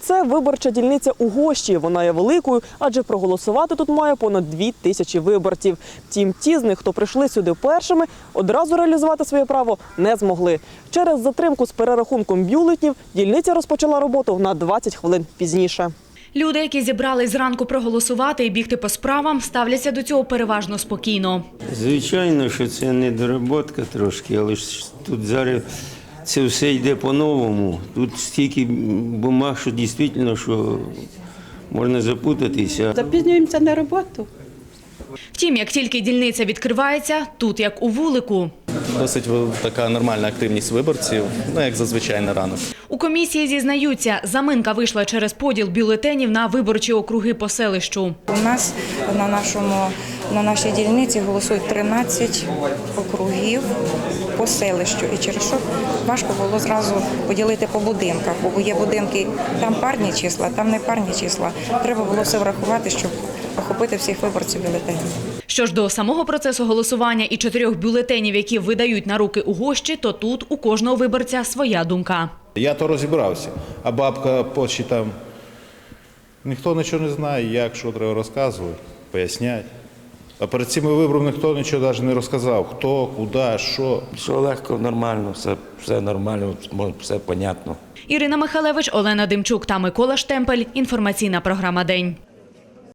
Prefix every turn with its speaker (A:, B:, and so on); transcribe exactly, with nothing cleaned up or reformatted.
A: Це виборча дільниця у Гощі. Вона є великою, адже проголосувати тут має понад дві тисячі виборців. Втім, ті з них, хто прийшли сюди першими, одразу реалізувати своє право не змогли. Через затримку з перерахунком бюлетнів дільниця розпочала роботу на двадцять хвилин пізніше.
B: Люди, які зібрались зранку проголосувати і бігти по справам, ставляться до цього переважно спокійно.
C: Звичайно, що це недоработка трошки, але ж тут зараз це все йде по-новому. Тут стільки бумаг, що дійсно, що можна запутатися.
D: Запізнюємося на роботу.
B: Втім, як тільки дільниця відкривається, тут як у вулику.
E: Досить така нормальна активність виборців, ну як зазвичай на ранок.
B: У комісії зізнаються, заминка вийшла через поділ бюлетенів на виборчі округи по селищу.
F: У нас на нашому на нашій дільниці голосують тринадцять округів по селищу. І через що важко було зразу поділити по будинках, бо є будинки, там парні числа, там не парні числа. Треба було все врахувати, щоб охопити всіх виборців бюлетенів.
B: Що ж до самого процесу голосування і чотирьох бюлетенів, які видають на руки у Гощі, то тут у кожного виборця своя думка.
G: Я то розібрався, а бабка почти там, ніхто нічого не знає, як, що треба розказувати, поясняти. А перед цими виборами ніхто нічого навіть не розказав, хто, куди, що.
H: Все легко, нормально, все, все нормально, все понятно.
B: Ірина Михалевич, Олена Демчук та Микола Штемпель. Інформаційна програма «День».